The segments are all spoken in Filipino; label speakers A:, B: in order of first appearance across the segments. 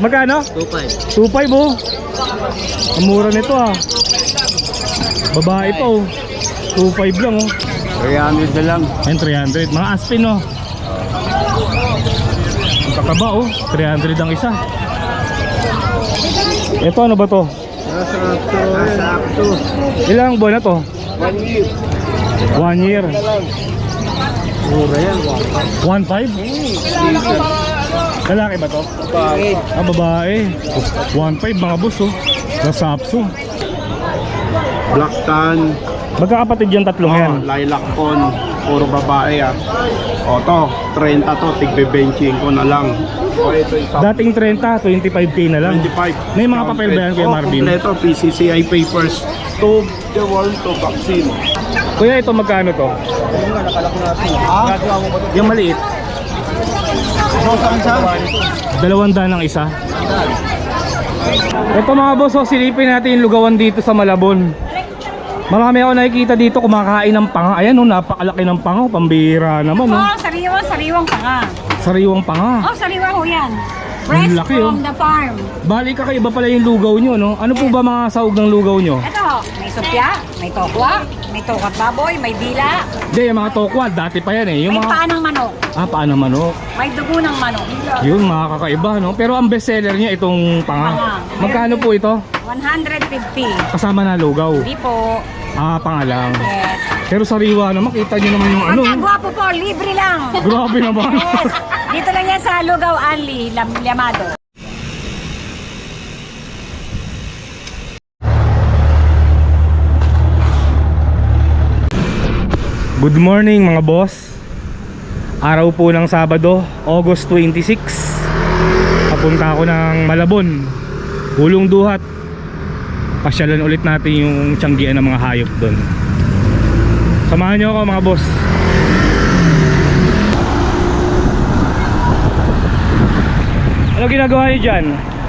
A: Magkano?
B: 2.5.
A: 2.5 oh. Ang mura nito ah. Babae pa oh. 2.5 lang oh.
B: 300 na lang.
A: Ayun 300. Mga Aspin oh. Ang kakaba oh. 300 ang isa. Ito ano ba to?
B: Sakto.
A: Ilang buwan na to?
B: 1 year.
A: 1 year.
B: Mura yan.
A: 1.5? Lalaki ba to?
B: Bakit?
A: Ah, babae. 1.5 mga boss oh. Nasapso.
B: Black tan.
A: Magkakapatid yung tatlong yan.
B: Lilac con. Puro babae ah. O to, 30 to. Tigbe-benching ko na lang. O ito isa.
A: Dating 30, 25k na lang.
B: 25.
A: May mga papel ba yan Kuya Marvin?
B: Kompleto. PCCI papers. To the world to vaccine.
A: Kuya ito magkano to? Yung maliit. 200 ang isa. Ito mga boss, oh, silipin natin yung lugawan dito sa Malabon. Marami ako nakikita dito kumakain ng panga. Ayan oh, napakalaki ng panga, pambihira naman oh.
C: Oh, sariwang panga.
A: Sariwang panga.
C: Oh, sariwa ho yan. Fresh
A: laki,
C: from
A: oh.
C: the farm.
A: Bali kakaiba pala yung lugaw nyo, no? Ano po ba mga sahog ng lugaw nyo?
C: Ito, may supya, may tokwa, may tokat baboy, may dila,
A: Hindi, yung mga tokwa, dati pa yan eh. Yung
C: may
A: mga...
C: paa ng manok,
A: Paa ng manok.
C: may dugo ng manok.
A: Yun, mga kakaiba, no? Pero ang best seller niya itong panga.
C: Panga.
A: Magkano po ito?
C: 150.
A: Kasama na lugaw.
C: Hindi po.
A: Panga lang.
C: Yes.
A: Pero sariwa naman, kita nyo naman yung ano.
C: Pagkagwapo po, libre lang.
A: Grabe naman.
C: Yes. Dito lang yan sa Lugaw Anli, Llamado.
A: Good morning mga boss. Araw po ng Sabado, August 26. Papunta ako ng Malabon, Hulong Duhat. Pasyalan ulit natin yung tiyanggian ng mga hayop doon. Samahan nyo ako mga boss. Ano ginagawa nyo dyan?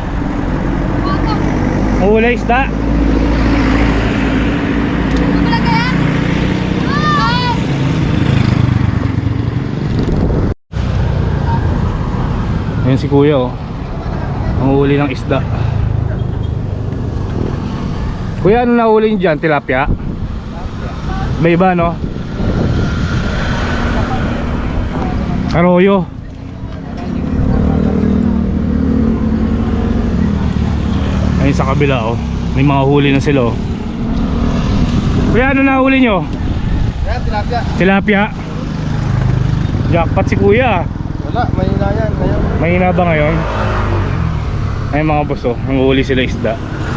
A: Mahulay isda? Ayan si kuya oh. Manghuli ng isda. Kuya, ano nahuli nyo dyan? Tilapia? May iba no? Karoyo. Ayun sa kabila oh. May mga huli na sila oh. Kuya, ano nahuli nyo?
B: Tilapia.
A: Tilapia. Jackpot si kuya.
B: Wala, mahina yan ngayon.
A: Mahina ba ngayon? Ay mga boss oh, nanguhuli sila isda.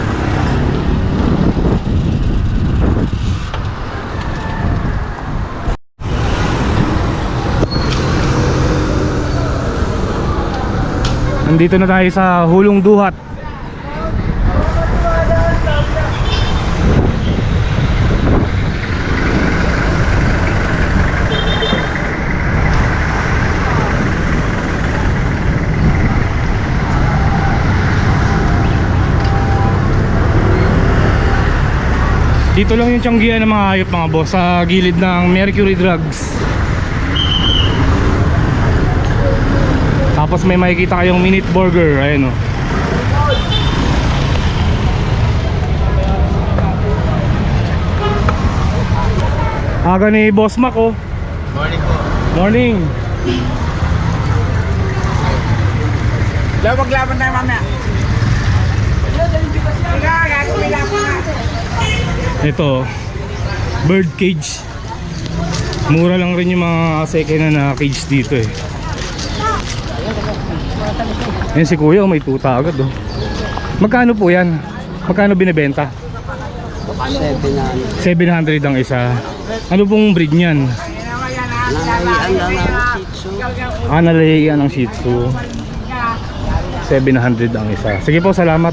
A: Nandito na tayo sa Hulong Duhat. Dito lang yung tiyanggian ng mga hayop mga boss, sa gilid ng Mercury Drugs. Tapos may makikita kayong minute burger, ayun o. Aga ni Boss Mac oh.
B: Morning po.
A: Morning.
C: Maglaban tayo mamaya.
A: Ito bird cage. Mura lang rin yung mga second hand na cage dito eh. Yan si kuya, may tuta agad oh. Magkano po yan? Magkano binibenta? 700 ang isa. Ano pong breed niyan? Nalayian ng Shih Tzu. 700 ang isa. Sige po, salamat.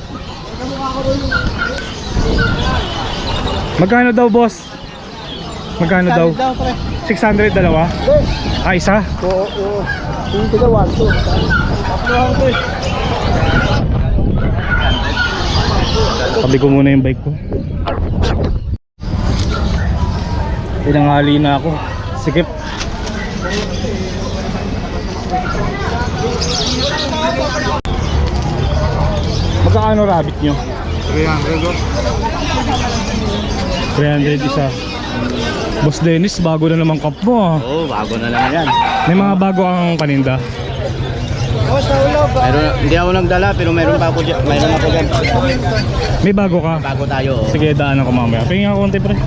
A: Magkano daw boss? Magkano daw? 600 dalawa? Isa?
B: Oo. Yung tigawan to.
A: Tabi ko muna yung bike ko. Pinangali na ako. Sikip. Magkano rabbit nyo? 300 isa. Boss Dennis, bago na naman cup mo ah.
D: Oo, bago na lang yan.
A: May mga bago ang paninda.
D: Hindi ako nagdala pero mayroon pa ako dyan. Mayroon ako dyan.
A: May bago ka?
D: Bago tayo. Oh.
A: Sige, daanan ko mamaya. Pingin ako konti pre.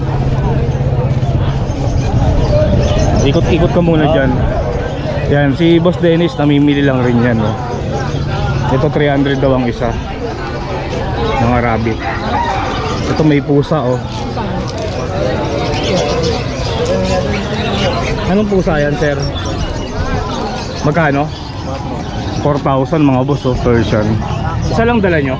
A: Ikot-ikot ka muna dyan. Yan, si Boss Dennis namimili lang rin yan. No? Ito 300 daw ang isa. Mga rabbit. Ito may pusa oh. Anong pusa yan sir? Magkano? 4,000 mga boss oh, Persian. Isa lang dala nyo?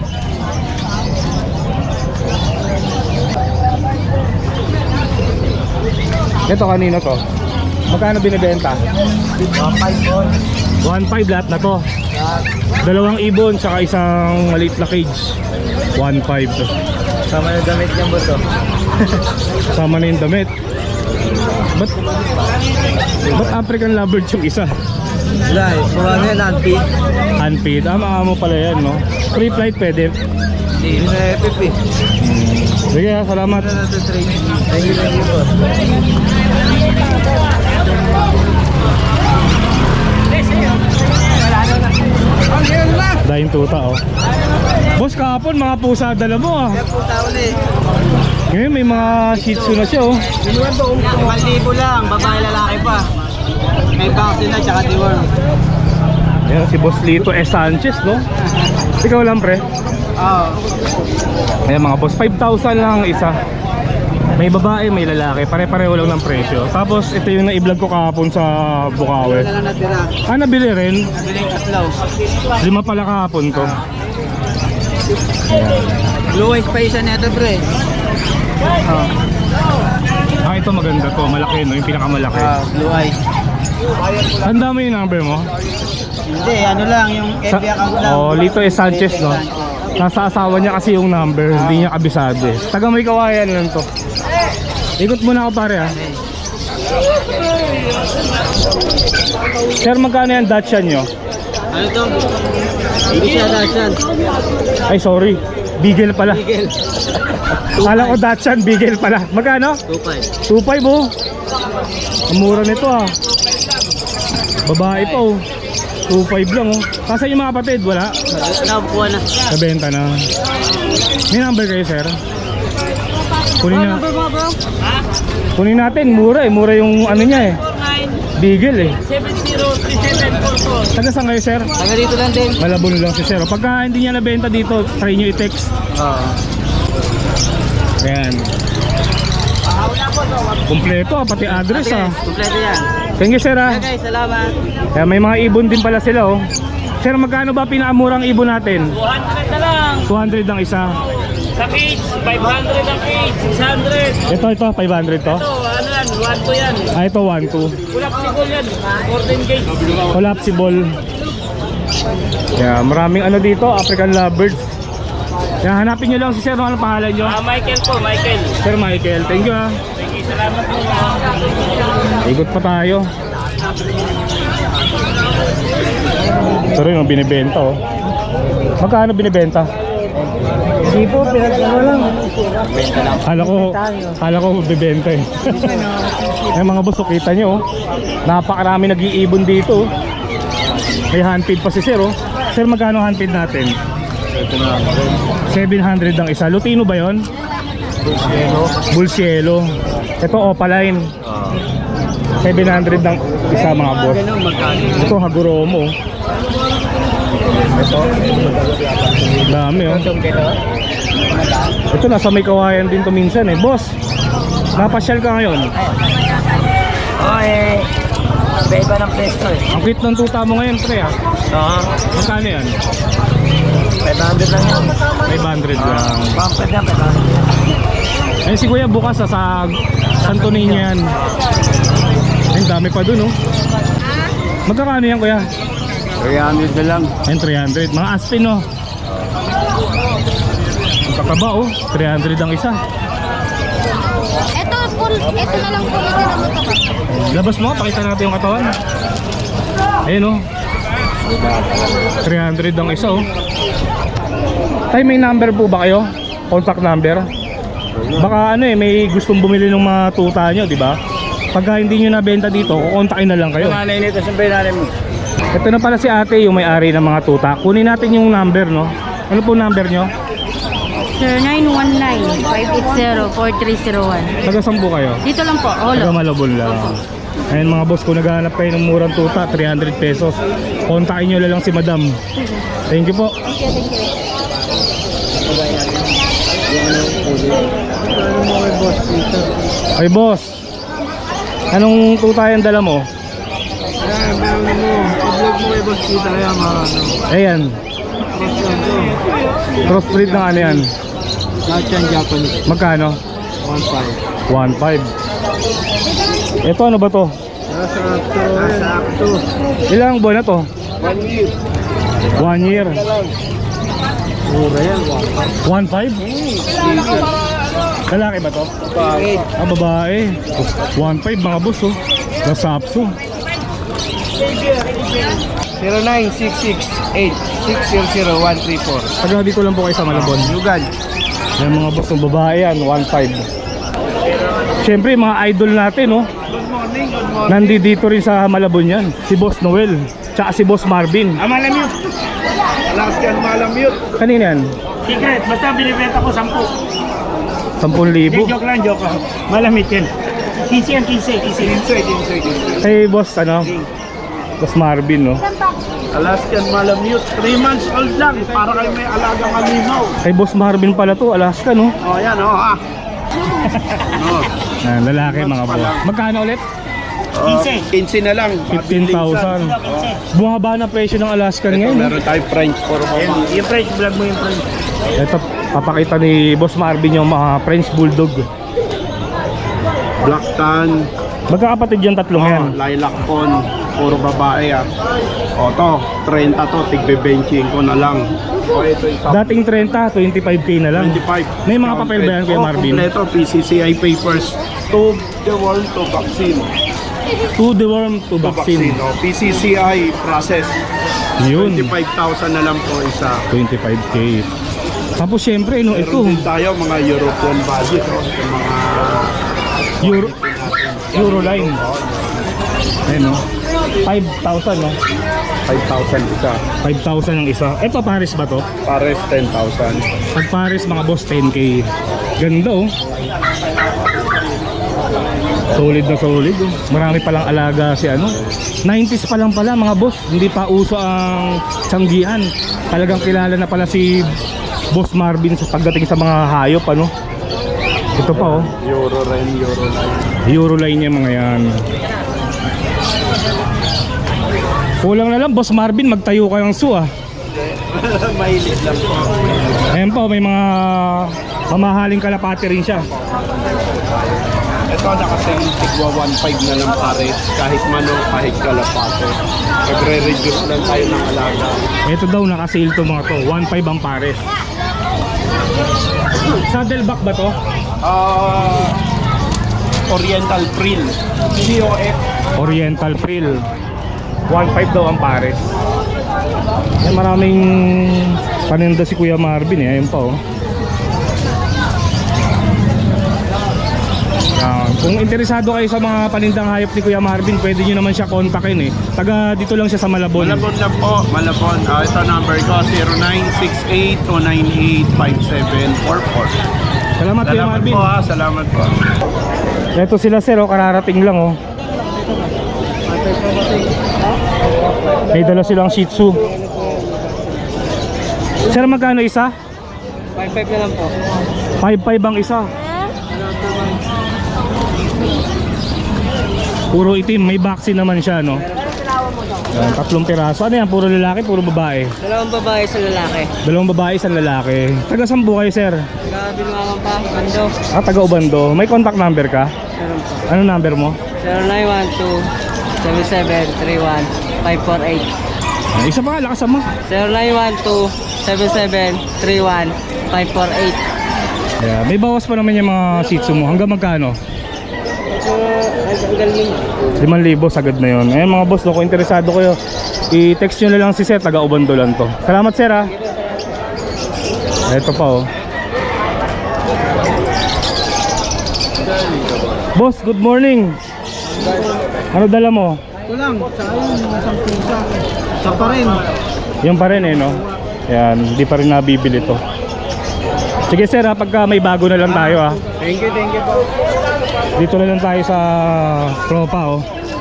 A: Ito kanino to? Magkano binibenta? 1.5 lahat na to. Dalawang ibon tsaka isang maliit na cage. 1.5 to.
D: Sama yung damit niya boss oh.
A: Sama na yung damit. Ba't African lovebird yung isa?
D: Wala eh. Mura na yan, Anpi.
A: Unpaid. Mga mo pala yan no? Free flight pwede.
D: Hindi na FF eh.
A: Sige ha, salamat.
D: Thank you boss.
A: Dahil tuta oh. Boss, kahapon mga pusa dala mo ah. Ngayon may mga shih tzu na siya oh.
D: 1,000 lang, babae lalaki pa. May vaccine na tsaka deworm.
A: Ayan si Boss Lito S. Sanchez no. Ikaw lang pre.
D: Oo.
A: Ayan mga boss, 5,000 lang ang isa. May babae, may lalaki, pare-pareho lang ng presyo. Tapos ito yung na-vlog ko kahapon sa Bukawi.
D: Wala lang natira.
A: Nabili rin.
D: Nabiling katlaw.
A: 5 pala kahapon to.
D: Blue eyes pa isa nito pre.
A: Ito maganda to, malaki no, yung pinakamalaki.
D: Blue eyes.
A: Tanda mo yung number mo?
D: Hindi, ano lang, yung FB account lang.
A: Oh, Lito S. Sanchez no. Nasa asawa niya kasi yung number, hindi niya kabisado eh. Taga may kawayan lang to. Ikot muna ako pare ha. Sir, magkano yan Dachshund nyo?
D: Ano to? Hindi siya Dachshund.
A: Ay sorry, Beagle pala.
D: Eagle.
A: Kala ko Dachshund, Beagle pala. Magkano?
D: 2.5.
A: 2.5 oh. Ang mura nito ah. Babae pa oh. 2.5 lang oh. Kasi yung mga kapatid, wala.
D: Nabukuha na.
A: Nabenta na. May number kayo sir? Kunin na. Kunin natin, mura eh. Mura yung ano niya eh. Beagle eh.
D: 703744.
A: Taga saan kayo sir?
D: Taga dito lang din.
A: Malabon lang si sir. Pagka hindi niya nabenta dito, try nyo i-text.
D: Oo.
A: Ayan. Kumpleto ah, pati address ah.
D: Kompleto yan.
A: Thank you sir ah.
D: Okay, salamat.
A: Kaya may mga ibon din pala sila oh. Sir, magkano ba pinakamurang ibon natin?
D: 200 na lang.
A: 200 ang isa.
D: Sa cage, 500 ang cage, 600.
A: Ito, 500 to.
D: Ito, ano yan, 1 yan.
A: Ito 1-2.
D: Kulap sigol yan, 14 gauge.
A: Collapsible. Yeah, maraming ano dito, African lovebirds. Kaya hanapin nyo lang si sir, ano pangalan nyo?
D: Michael po, Michael.
A: Sir Michael, thank you ah.
D: Thank you, salamat po.
A: Ikot pa tayo. Ito rin yung binibenta oh. Magkano binibenta?
D: Hindi po, pinagkano lang.
A: Kala ko bibenta eh. Ay mga boss, kita nyo oh. Napakarami nag-iibon dito oh. May handpid pa si sir oh. Sir, magkano handpid natin? 700 ang isa. Lutino ba yon? Bulsielo. Ito Opaline. 700 ang isa mga boss. Ito Haguromo. Ito dami oh. Ito nasa may kawayan din to minsan eh. Boss, napasyal ka ngayon?
D: Oo eh, iba ng presto eh.
A: Ang cute ng tuta mo ngayon pre ah.
D: Oo,
A: Magkano yan?
D: 500 lang yan.
A: 500 lang.
D: Pampad na, 500.
A: Ayun si kuya bukas sa Santo Niño yan. Ayun dami pa dun oh. Magkakano yan kuya?
B: 300 na lang.
A: Ayun 300. Mga Aspin oh. Ang kakaba oh. 300 ang isa.
E: Ito na lang po yung
A: Labas mo, pakita natin yung katawan. Ayun oh. 300 ang isa oh. Tay, may number po ba kayo? Contact number? Baka ano eh, may gustong bumili ng mga tuta nyo, di ba? Pagka hindi nyo nabenta dito, kukontakin na lang kayo.
D: Nanay nito, siyempre nanay mo.
A: Ito na pala si ate, yung may-ari ng mga tuta. Kunin natin yung number, no? Ano po number nyo?
E: 0919-580-4301.
A: Taga saan po kayo?
E: Dito lang po,
A: Taga
E: holo.
A: Malabon lang. Ayun mga boss, kung naghahanap kayo ng murang tuta, 300 pesos. Kontakin nyo na lang si madam. Thank you po. Ay boss, anong tuta yung dala mo?
B: Ayan, meron mo. Pag-vlog mo kay Boss Kita, kaya mga ano.
A: Ayan, crossbreed ng ano yan?
B: Lahat yan Japanese.
A: Magkano?
B: 1.5.
A: 1.5. Ito ano ba to?
B: Nasa akto.
A: Ilang buwan na to?
B: 1 year.
A: 1 year.
B: Mura yan,
A: 1.5? Lalaki ba to?
B: Bakit?
A: Ah, babae. 1.5 mga boss oh. Nasapso.
B: 0966-8600134.
A: Taga dito lang po kayo sa Malabon.
B: Yugan.
A: Yung mga boss ng babae yan, 1.5. Siyempre mga idol natin oh.
B: Good morning, good morning.
A: Nandito rin sa Malabon yan. Si Boss Noel, tsaka si Boss Marvin.
B: Malamute. Last yan, malamute.
A: Kanina yan?
D: Secret, basta binibenta ko 10.
A: 10,000.
D: Joke lang, joke. Malamit yan. 15 yan, 15.
A: Kay Boss ano? Boss Marvin no?
B: Alaskan Malamute, 3 months old lang, para kayo may alagang animal.
A: Kay Boss Marvin pala to, Alaska no?
B: Oh, yan, oh, ah. Oh,
A: Ah, lalaki mga boss. Magkano ulit?
B: 15 na lang.
A: 15,000. Bumaba na presyo ng Alaskan ngayon.
B: Meron tayo French for mama.
D: Yung French, vlog mo yung French.
A: Ito, papakita ni Boss Marvin yung mga French Bulldog.
B: Black tan,
A: Magkakapatid yung tatlong yan.
B: lilac con, puro babae ah. O to, 30 to, tigbe-benching ko na lang. O ito yung
A: Dating 30, 25k na lang.
B: 25.
A: May mga papel ba yan, Kuya Marvin?
B: Kompleto, PCCI papers, to the world to vaccine.
A: To deworm to vaccine.
B: O, PCCI process.
A: Yun,
B: 25,000 na lang po isa.
A: 25k. Tapos syempre, no, ito,
B: Meron din tayo mga European budget, no? Yung mga
A: Euroline. Ayun, no? 5,000, no?
B: 5,000 isa.
A: 5,000 ang isa. Ito, Paris ba to?
B: Pares 10,000.
A: Pag Paris, mga boss, 10k. Ganda, oh. Solid na solid, oh. Marami palang alaga si ano. 90s pa lang pala, mga boss. Hindi pa uso ang tiyanggian. Talagang kilala na pala si Boss Marvin sa pagdating sa mga hayop, ano. Ito pa, oh.
B: Euroline.
A: Euroline niya mga yan. Kulang na lang, Boss Marvin, magtayo kayong zoo, ah.
B: Mahilig lang po.
A: Ayan pa, may mga mamahaling kalapati rin siya.
B: Ito nakasayang tigwa 1.5 na lang pares. Kahit manok, kahit kalapato. Nagre-reduce lang tayo ng alaga.
A: Ito daw, naka-sale to mga to. 1.5 ang pares. Saddleback ba to?
B: Oriental Prill. COF.
A: Oriental Frill. 1.5 daw ang pares. Ay, maraming paninda si Kuya Marvin eh. Ayun pa, oh. Yan. Kung interesado kayo sa mga panindang hayop ni Kuya Marvin, pwede nyo naman siya kontakin eh. Taga dito lang siya sa Malabon.
B: Malabon lang po. Malabon. Ito number ko. 0968-298-5744.
A: Salamat Kuya
B: Salamat
A: Marvin.
B: po ha. Salamat po.
A: Ito sila sir, oh, kararating lang oh. May dala silang Shih Tzu. Sir, magkano isa?
D: 5.5 na lang po.
A: 5.5 ang isa. Puro itim, may vaccine naman siya, no? Yan, 3 piraso. Ano yan? Puro lalaki, puro babae?
D: Dalawang babae sa lalaki.
A: 2 babae, 1 lalaki. Taga saan po kayo, sir?
D: Grabe naman pa, Bando.
A: Ah, taga Ubando. May contact number ka?
D: Meron po.
A: Ano number mo?
D: 0912-7731-548.
A: Ah, isa pa, lakasan mo.
D: 0912-7731-548.
A: Yeah, may bawas pa naman yung mga Shih Tzu mo. Hanggang magkano?
D: Ang galing.
A: 5,000 sagad na yun. Ayun mga boss, no, kung interesado kayo, i-text nyo na lang si sir, taga Ubando lang to. Salamat sir ha. Ito pa oh. Boss, good morning. Ano dala mo?
D: Ito lang, tsaka yun, isang pusa. Siya pa rin.
A: Yung pa rin eh no. Yan, hindi pa rin nabibili to. Sige sir ha, pagka may bago na lang tayo ha.
D: Thank you po.
A: Dito na lang tayo sa tropa oh.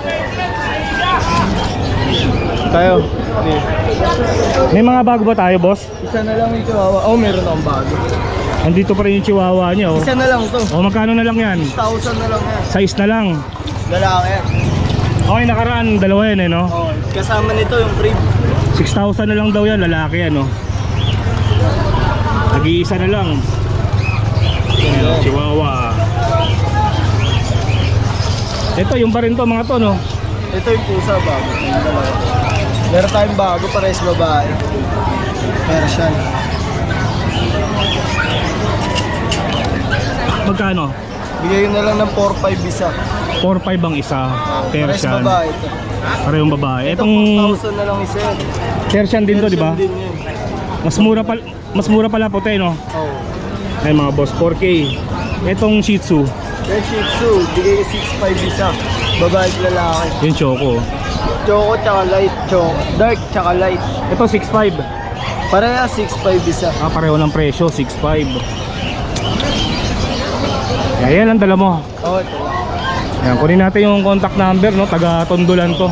D: Tayo.
A: May mga bago ba tayo boss?
D: Isa na lang yung chihuahua. Oh, meron akong bago.
A: Andito pa rin yung chihuahua niya oh.
D: Isa na lang to.
A: O magkano na lang yan?
D: 1,000 na lang yan.
A: Size na lang.
D: Lalaki yan.
A: Okay, nakaraan dalawa yan eh no.
D: Oh, kasama nito yung crib.
A: 6,000 na lang daw yan, lalaki yan no. Nag-iisa na lang. Ayan, chihuahua. Ito yung pa rin to mga to no.
D: Ito yung pusa bago. Yung dalawa. Meron tayong bago para sa babae. Persian.
A: Magkano?
D: Bigay ko na lang ng 4,500 isa.
A: 4,500 ang isa.
D: Para sa
A: Persian.
D: babae ito.
A: Parehong babae.
D: Ito
A: Itong
D: 4,000 na lang isa yan.
A: Persian din to, di ba?
D: Persian din yun.
A: Mas mura pala puti, no?
D: Oh.
A: Ay mga boss, 4K. Itong Shih Tzu,
D: Yung Shih Tzu, bigay ko 6,500 isa. Babae at lalaki.
A: yung Choco.
D: Choco tsaka light. Choco. Dark tsaka light.
A: Ito 6,500.
D: Pareha 6,500 isa.
A: Ah, pareho ng presyo, 6,500. Yan ang dala mo.
D: Oh, ito lang.
A: Yan, kunin natin yung contact number, no? Taga Tondolan to.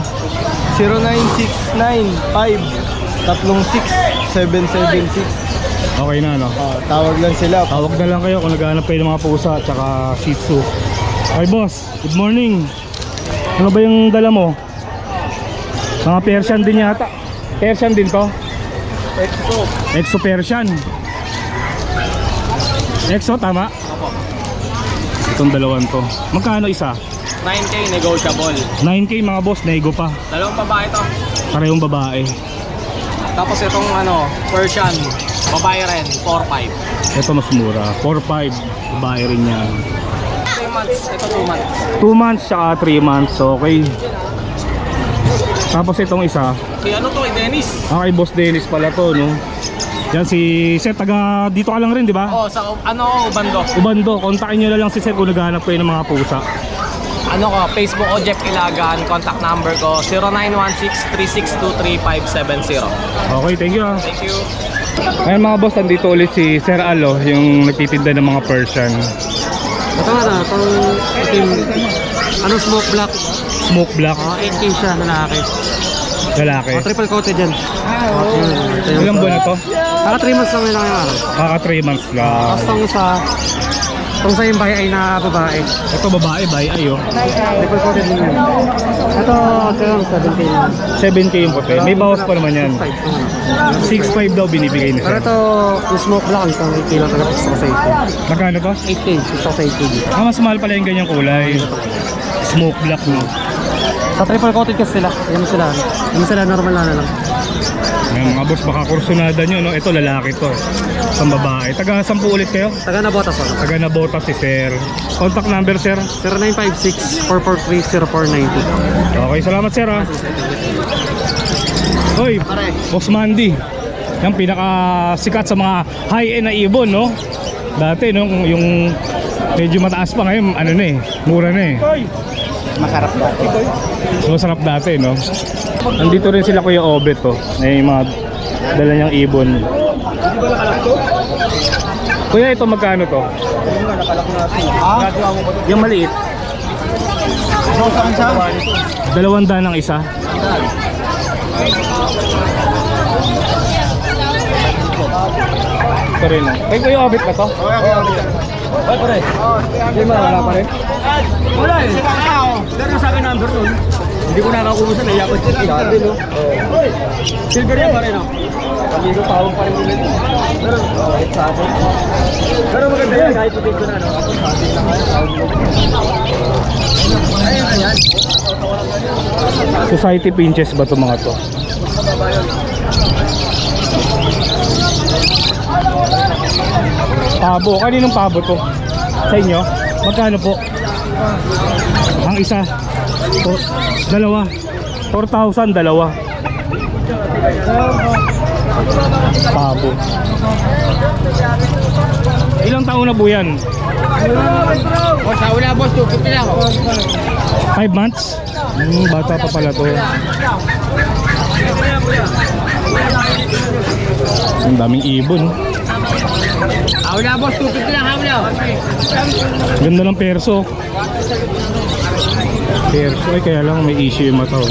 D: 0969-536-776.
A: Okay na, no?
D: Oh, tawag lang sila.
A: Tawag na lang kayo kung naghahanap kayo ng mga pusa at saka Shih Tzu. Okay boss, good morning. Ano ba yung dala mo? Mga Persian din yata. Persian din to?
D: Exo.
A: Exo Persian. Exo, tama?
D: Opo.
A: Itong dalawan to. Magkano isa?
D: 9K negotiable.
A: 9K mga boss, nego pa.
D: Dalawang babae to.
A: Parehong babae.
D: Tapos itong Persian, babae rin, 4,500.
A: Ito mas mura, 4,500. Babae rin yan.
D: 3 months, ito 2 months.
A: 2 months saka 3 months, okay. Tapos itong isa,
D: Si ano to, Dennis?
A: kay Boss Dennis pala to, no? Yan si Sir, taga dito ka lang rin, di ba?
D: Oh, sa Ubando.
A: Ubando, kontakin nyo na lang si Sir kung naghahanap kayo ng mga pusa.
D: Facebook o Jeff Ilagan, contact number ko 0916-362-3570.
A: Okay, thank you ah.
D: Thank you.
A: Ngayon mga boss, andito ulit si Sir Alo, yung nagtitinda ng mga Persian.
F: Ito nga na, itong itim, smoke black.
A: Smoke black,
F: 8K siya, lalaki.
A: lalaki.
F: Triple coated yan.
A: Ilang buwan na to?
F: Kaka 3 months lang yung araw.
A: Kaka 3 months lang.
F: Tapos itong sa yung bahay ay na babae.
A: Ito babae, ay oh.
F: Triple coated din yan. Ito, 17K lang.
A: 7K yung puti. May bawas pa naman yan. 6,500 daw binibigay ni
F: Pero
A: Sir.
F: ito, yung smoke black, itong 8K lang talaga gusto ko sa 8K.
A: Magkano to?
F: 8K, gusto ko sa 8K.
A: Ah, mas mahal pala yung ganyang kulay. Smoke black, no?
F: Sa triple coated kasi sila, yan sila normal na lang.
A: Ngayon mga boss, baka kursunada nyo, no? Ito lalaki to. Isang babae. Taga 10 ulit kayo?
F: Taga na botas ako.
A: Taga Nabota si Sir. Contact number, Sir?
F: 0956-443-0490.
A: Okay, salamat Sir ha. Hoy, Boss Mandy. Yung pinakasikat sa mga high-end na ibon, no? Dati, no? Yung medyo mataas pa ngayon, ano na eh, mura na eh.
D: Masarap dati.
A: Masarap dati, no? Nandito rin sila Kuya Obet, oh. May mga dala niyang ibon. Kuya, ito magkano to? Yung maliit. 200 ang isa. Ito rin, oh. Kay Kuya Obet ba to? Ay, pare. Hindi mo, wala pa rin.
D: Wala eh. Pero sa akin number nun. Hindi ko nakakubusan, naiyapat ko dati, no? Silver yan pa rin, no? Pag-ilo tawag pa rin ulit. Pero, kahit sa akin. Pero maganda yan, kahit putik ko na, no? Ako sa akin na kaya, tawag mo. Ayun na yan.
A: Society pinches ba to mga to? Pabo, kaninong pabo to? Sa inyo? Magkano po? Ang isa? Dalawa? 4,000, dalawa. Pabo. Ilang taon na po yan?
D: O, sa una boss, 250 lang.
A: 5 months? Bata pa pala to. Ang daming ibon.
D: Hawla boss, 250 lang, hawla.
A: Ganda ng perso. Perso ay kaya lang may issue yung mata.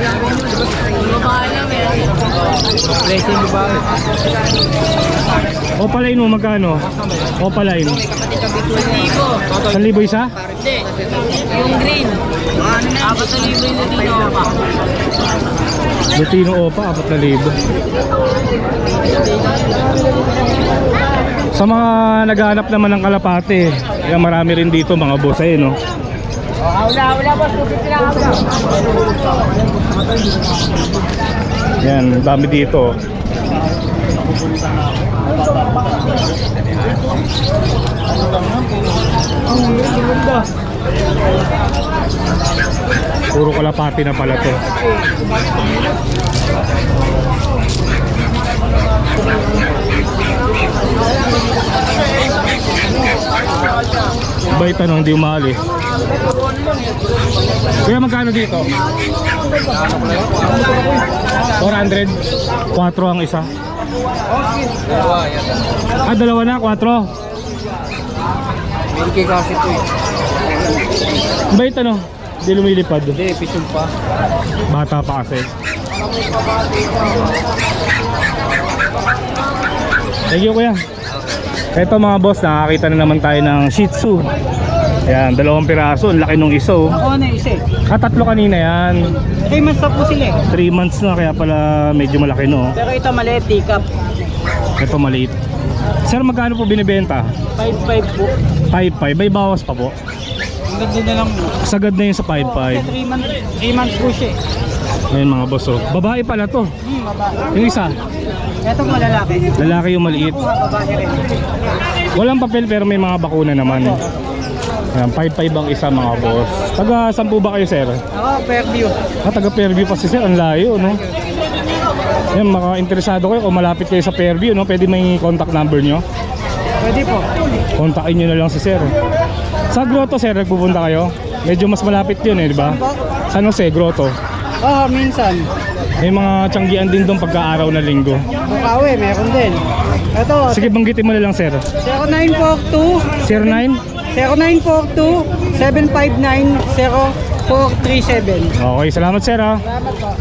D: Blessing mo ba?
A: Opaline mo magkano? Opaline. 1,000 isa?
E: Yung green. 4,000 yung Lutino Opa.
A: Lutino Opa, 4,000. Sa mga naghahanap naman ng kalapate, kaya marami rin dito mga boss ay no.
D: Hawla boss, 250 lang, hawla.
A: Yan, dami dito. Puro kalapati na pala to. Bait tanong, hindi umali. Kuya, magkano dito? 400? 4 ang isa. Ah, dalawa na, 4.
D: Milky kasi ito eh.
A: Bait ano? Hindi lumilipad.
D: Hindi, pitong pa.
A: Bata pa kasi. Thank you kuya. Ito mga boss, nakakita na naman tayo ng Shih Tzu. Ayan, 2 piraso. Ang laki nung isa oh.
F: Ako na isa eh.
A: 3 kanina yan.
F: 3 months na po sila eh.
A: 3 months na kaya pala medyo malaki no.
F: Pero ito maliit, teacup.
A: Ito maliit. Sir, magkano po binibenta?
F: 5.5 po.
A: 5.5. May bawas pa po.
F: Ang ganda na lang po.
A: Sagad na yun sa 5.5.
F: Kasi 3 months po siya eh.
A: Ayun mga boss oh. Babae pala to.
F: Babae.
A: Yung isa,
F: Ito po lalaki.
A: lalaki yung maliit.
F: Babae rin.
A: Walang papel pero may mga bakuna naman. Ayan, 5.5 ang isa mga boss. Taga saan po ba kayo sir?
F: Ako, Fairview.
A: Taga Fairview pa si sir, ang layo no. Yan, maka-interesado kayo kung malapit kayo sa Fairview no, pwede may contact number nyo.
F: Pwede po.
A: Kontakin nyo na lang si sir. Sa Grotto sir, nagpupunta kayo? Medyo mas malapit yun eh, di ba? San Jose, Grotto.
F: Oo, minsan.
A: May mga tiyanggian din doon pagka-araw na linggo.
F: Bukawi, meron din. Ito,
A: Sige, banggitin mo na lang sir.
F: 0942
A: 09?
F: 0942 759 0437.
A: Okay, salamat sir ha.
F: Salamat po.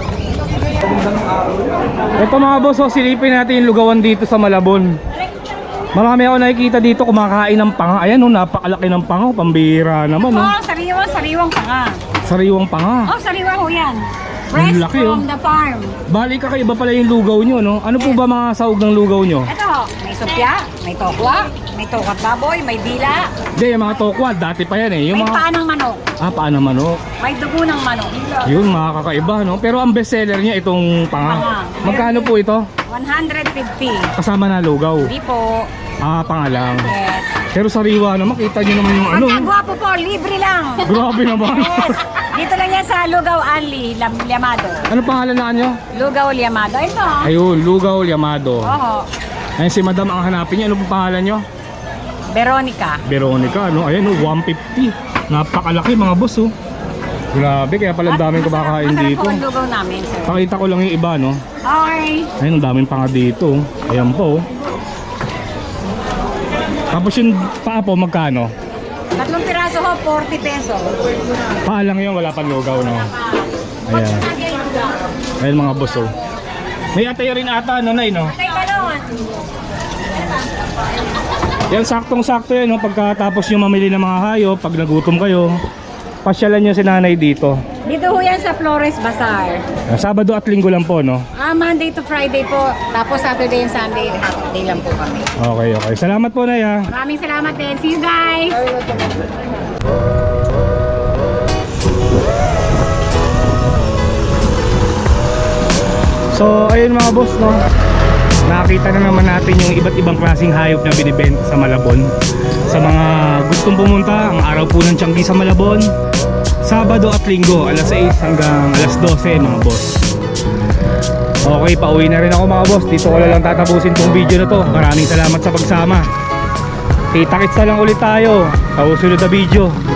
A: Ito mga boss, oh, silipin natin yung lugawan dito sa Malabon. Marami ako nakikita dito kumakain ng panga. Ayan oh, napakalaki ng panga, pambira naman oh.
C: Sariwang pa nga.
A: Sariwang panga.
C: Sariwang ho yan.
A: Ang
C: Fresh
A: laki,
C: from
A: oh.
C: the farm.
A: Bali kakaiba pala yung lugaw nyo no. Ano po ba mga sahog ng lugaw nyo?
C: Ito, may supya, may tokwa, may tokat baboy, may dila,
A: Hindi, yung mga tokwa, dati pa yan eh. Yung
C: may
A: mga...
C: paa ng manok,
A: Paan ng manok.
C: may dugo ng manok.
A: Yun, mga kakaiba no. Pero ang best seller niya itong panga.
C: Panga.
A: Magkano po ito?
C: 150.
A: Kasama na lugaw.
C: Hindi po.
A: Panga lang.
C: Yes.
A: Pero sariwa naman, kita nyo naman yung ano.
C: Ang gwapo po, libre lang.
A: Grabe naman.
C: Yes. Dito lang yan sa Lugaw Anli, Liamado.
A: Ano pangalan na nyo?
C: Lugaw Liamado. Ito.
A: Ayun, Lugaw Liamado.
C: Oo.
A: Ayun si madam ang hanapin niya. Ano pong pangalan nyo?
C: Veronica.
A: Veronica, ano? Ayun, 150. Napakalaki mga boss, oh. Grabe, kaya pala daming kumakain
C: masarap
A: dito.
C: po ang lugaw namin, sir.
A: Pakita ko lang yung iba, no?
C: Okay.
A: Ayun, ang daming panga dito. Oh. Ayan po, oh. Tapos yung paa po, magkano?
C: 3 piraso ho, 40 peso.
A: Paa lang yun, wala pang lugaw, no? Ayan. Ayun mga boss, oh. May atay rin ata, nanay, no?
C: Tay balon.
A: Yan, saktong-sakto yan, no? Pagkatapos nyo mamili ng mga hayop, pag nagutom kayo, pasyalan nyo si nanay dito.
C: Dito ho yan sa Flores Bazaar.
A: Sabado at linggo lang po, no?
C: Monday to Friday po. Tapos Saturday and Sunday, half day lang po kami.
A: Okay, okay. Salamat po, Nay, ha?
C: Maraming salamat din. See you guys!
A: So, ayun mga boss, no? Nakita na naman natin yung iba't ibang klaseng hayop na binibenta sa Malabon. Sa mga gustong pumunta, ang araw po ng Tianggi sa Malabon, Sabado at Linggo, alas 6 hanggang alas 12 mga boss. Okay, pauwi na rin ako mga boss. Dito ko na lang tatapusin tong video na to. Maraming salamat sa pagsama. Kita-kits na lang ulit tayo sa susunod na video.